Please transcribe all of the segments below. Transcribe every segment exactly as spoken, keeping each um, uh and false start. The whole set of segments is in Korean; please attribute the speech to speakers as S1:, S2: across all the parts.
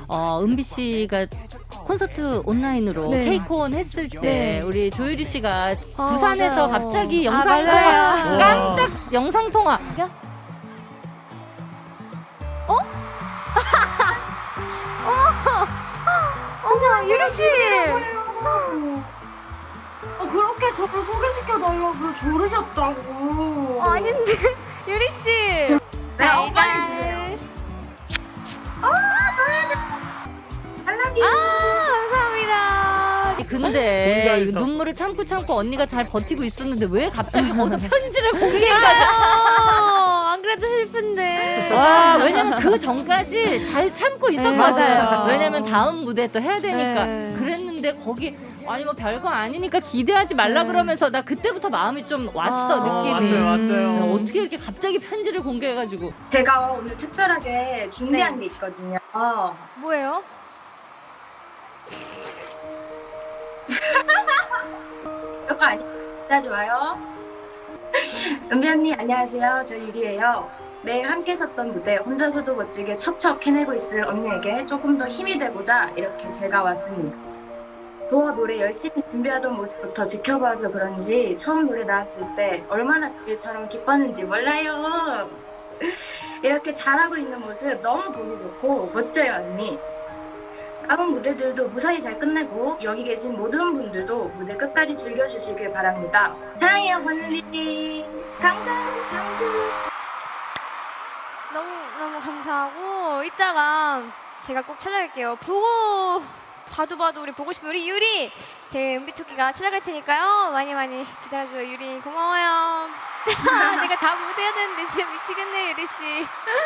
S1: 어, 은비 씨가 콘서트 온라인으로
S2: 네.
S1: 케이콘 했을 때
S2: 네.
S1: 우리 조유리 씨가
S2: 아,
S1: 부산에서
S2: 맞아요.
S1: 갑자기
S2: 아,
S1: 영상 통화,
S2: 맞아요.
S1: 깜짝 영상 통화.
S2: 어머, 유리 씨.
S3: 아, 그렇게 저를 소개시켜 달라고 조르셨다고.
S2: 어, 아닌데, 유리 씨.
S3: 네, 어, 빨리 주세요.
S2: 아, 감사합니다.
S1: 근데
S4: 공개하겠어.
S1: 눈물을 참고 참고 언니가 잘 버티고 있었는데 왜 갑자기 거기서 편지를 공개해가지고.
S2: 아, 안 그래도 슬픈데.
S1: 와, 왜냐면 그 전까지 잘 참고 있었거든.
S2: 맞아요.
S1: 왜냐면 다음 무대 또 해야 되니까.
S2: 네.
S1: 그랬는데 거기 아니 뭐 별거 아니니까 기대하지 말라
S2: 네.
S1: 그러면서 나 그때부터 마음이 좀 왔어.
S2: 아,
S1: 느낌이.
S4: 왔어요, 왔어요.
S1: 어떻게 이렇게 갑자기 편지를 공개해가지고.
S3: 제가 오늘 특별하게 준비한 게 있거든요.
S2: 뭐예요?
S3: 별거 아니, 하지 마요. 은비 언니, 안녕하세요. 저 유리예요. 매일 함께 섰던 무대 혼자서도 멋지게 척척 해내고 있을 언니에게 조금 더 힘이 되고자 이렇게 제가 왔습니다. 도어 노래 열심히 준비하던 모습부터 지켜봐서 그런지 처음 노래 나왔을 때 얼마나 일처럼 기뻤는지 몰라요. 이렇게 잘하고 있는 모습 너무 보기 좋고 멋져요, 언니. 다음 무대들도 무사히 잘 끝내고 여기 계신 모든 분들도 무대 끝까지 즐겨주시길 바랍니다. 사랑해요, 권리. 강강, 강강.
S2: 너무 너무 감사하고 이따가 제가 꼭 찾아갈게요. 보고 봐도 봐도 우리 보고 싶은 우리 유리 제 은비토끼가 찾아갈 테니까요. 많이 많이 기다려줘요. 유리 고마워요. 내가 다 못해야 되는데 진짜 미치겠네 유리 씨.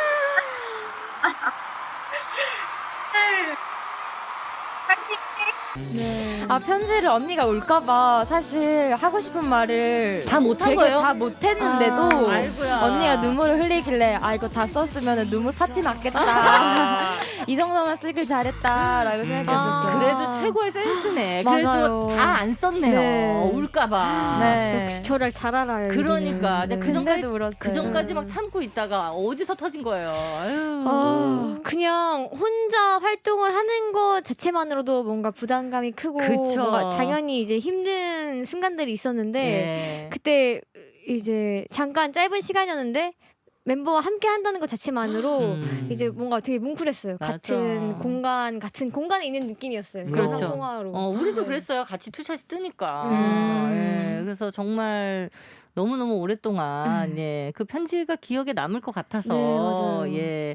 S5: 네. 아 편지를 언니가 올까봐 사실 하고 싶은 말을
S1: 다 못한
S5: 되게
S1: 거예요?
S5: 다 못했는데도
S1: 아, 아이고야.
S5: 언니가 눈물을 흘리길래 아 이거 다 썼으면 눈물 파티 났겠다.
S4: 아,
S5: 이 정도만 쓰길 잘했다라고 생각했었어요.
S1: 아, 그래도 최고의 센스네.
S5: 맞아요.
S1: 그래도 다 안 썼네요.
S5: 네.
S1: 울까봐.
S5: 네.
S2: 역시 저를 잘 알아요.
S1: 그러니까
S2: 유리는.
S1: 그 전까지
S5: 근데도 울었어요.
S1: 그 전까지 막 참고 있다가 어디서 터진 거예요. 아유.
S2: 아, 그냥 혼자 활동을 하는 것 자체만으로도 뭔가 부담감이 크고
S1: 그쵸.
S2: 뭔가 당연히 이제 힘든 순간들이 있었는데
S1: 네.
S2: 그때 이제 잠깐 짧은 시간이었는데 멤버와 함께 한다는 것 자체만으로
S1: 음.
S2: 이제 뭔가 되게 뭉클했어요.
S1: 맞아.
S2: 같은 공간, 같은 공간에 있는 느낌이었어요.
S1: 그렇죠.
S2: 영상 통화로.
S1: 어, 우리도
S2: 네.
S1: 그랬어요. 같이 투샷이 뜨니까.
S2: 음.
S1: 예, 그래서 정말 너무너무 오랫동안
S2: 음.
S1: 예, 그 편지가 기억에 남을 것 같아서
S2: 네, 맞아요.
S1: 예.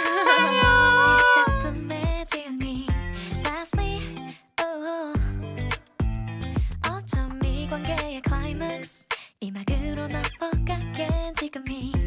S6: 작품의 지은이 That's me oh. 어쩜 이 관계의 클라이맥스 이 막으로 넘어가게 지금이